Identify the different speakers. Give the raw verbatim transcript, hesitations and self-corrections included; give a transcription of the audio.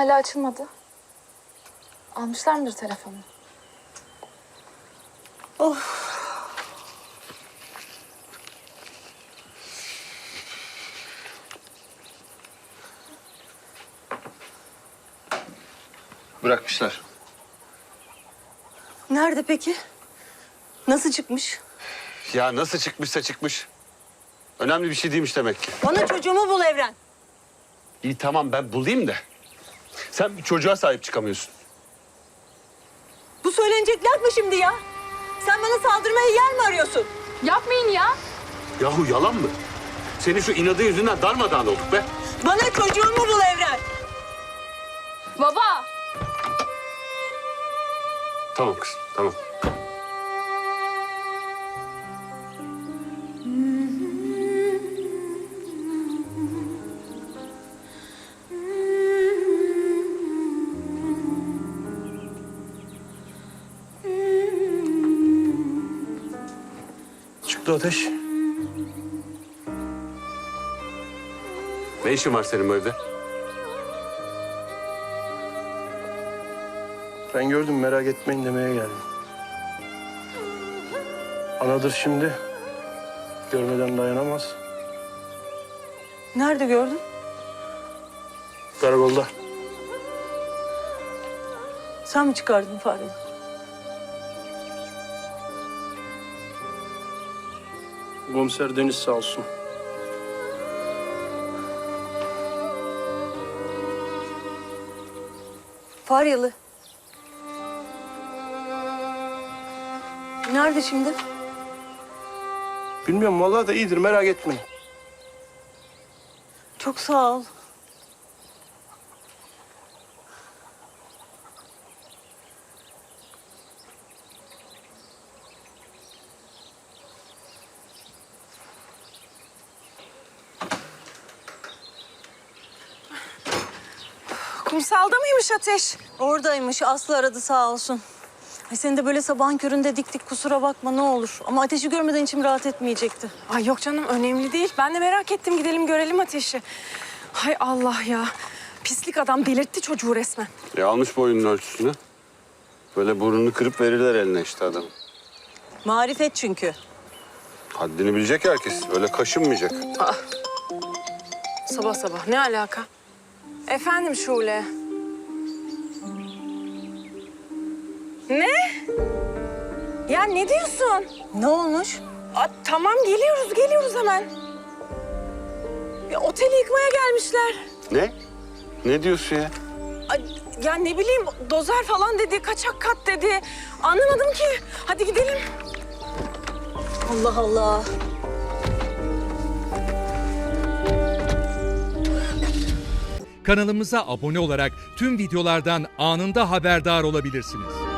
Speaker 1: hala açılmadı. Almışlar mıdır telefonu?
Speaker 2: Of.
Speaker 3: Bırakmışlar.
Speaker 2: Nerede peki? Nasıl çıkmış?
Speaker 3: Ya nasıl çıkmışsa çıkmış. Önemli bir şey değilmiş demek ki.
Speaker 2: Bana çocuğumu bul Evren.
Speaker 3: İyi tamam ben bulayım da. Sen bir çocuğa sahip çıkamıyorsun.
Speaker 2: Bu söylenecek laf mı şimdi ya? Sen bana saldırmaya yer mi arıyorsun?
Speaker 1: Yapmayın ya.
Speaker 3: Yahu yalan mı? Senin şu inadın yüzünden darmadağın olduk be.
Speaker 2: Bana çocuğumu bul Evren.
Speaker 1: Baba.
Speaker 3: Tamam kızım tamam. Çıktı ateş. Ne işin var senin bu evde?
Speaker 4: Ben gördüm, merak etmeyin demeye geldim. Anadır şimdi. Görmeden dayanamaz.
Speaker 2: Nerede gördün?
Speaker 4: Karakolda.
Speaker 2: Sen mi çıkardın fareyi?
Speaker 4: Komiser Deniz sağ olsun.
Speaker 2: Faryalı. Nerede şimdi?
Speaker 4: Bilmiyorum vallahi da iyidir, merak etmeyin.
Speaker 2: Çok sağ ol.
Speaker 5: Kumsalda mıymış Ateş?
Speaker 2: Oradaymış. Aslı aradı sağ olsun. Ay seni de böyle sabahın köründe diktik, kusura bakma ne olur. Ama Ateş'i görmeden içim rahat etmeyecekti.
Speaker 5: Ay yok canım, önemli değil. Ben de merak ettim, gidelim görelim Ateş'i. Hay Allah ya. Pislik adam delirtti çocuğu resmen.
Speaker 3: E almış boyunun ölçüsünü. Böyle burnunu kırıp verirler eline işte adam.
Speaker 2: Marifet çünkü.
Speaker 3: Haddini bilecek herkes. Öyle kaşınmayacak.
Speaker 5: Sabah sabah ne alaka? Efendim Şule. Ne? Ya ne diyorsun?
Speaker 2: Ne olmuş?
Speaker 5: Aa, tamam geliyoruz, geliyoruz hemen. Ya, oteli yıkmaya gelmişler.
Speaker 3: Ne? Ne diyorsun ya?
Speaker 5: Ay, ya ne bileyim, dozer falan dedi, kaçak kat dedi. Anlamadım ki. Hadi gidelim.
Speaker 2: Allah Allah.
Speaker 6: Kanalımıza abone olarak tüm videolardan anında haberdar olabilirsiniz.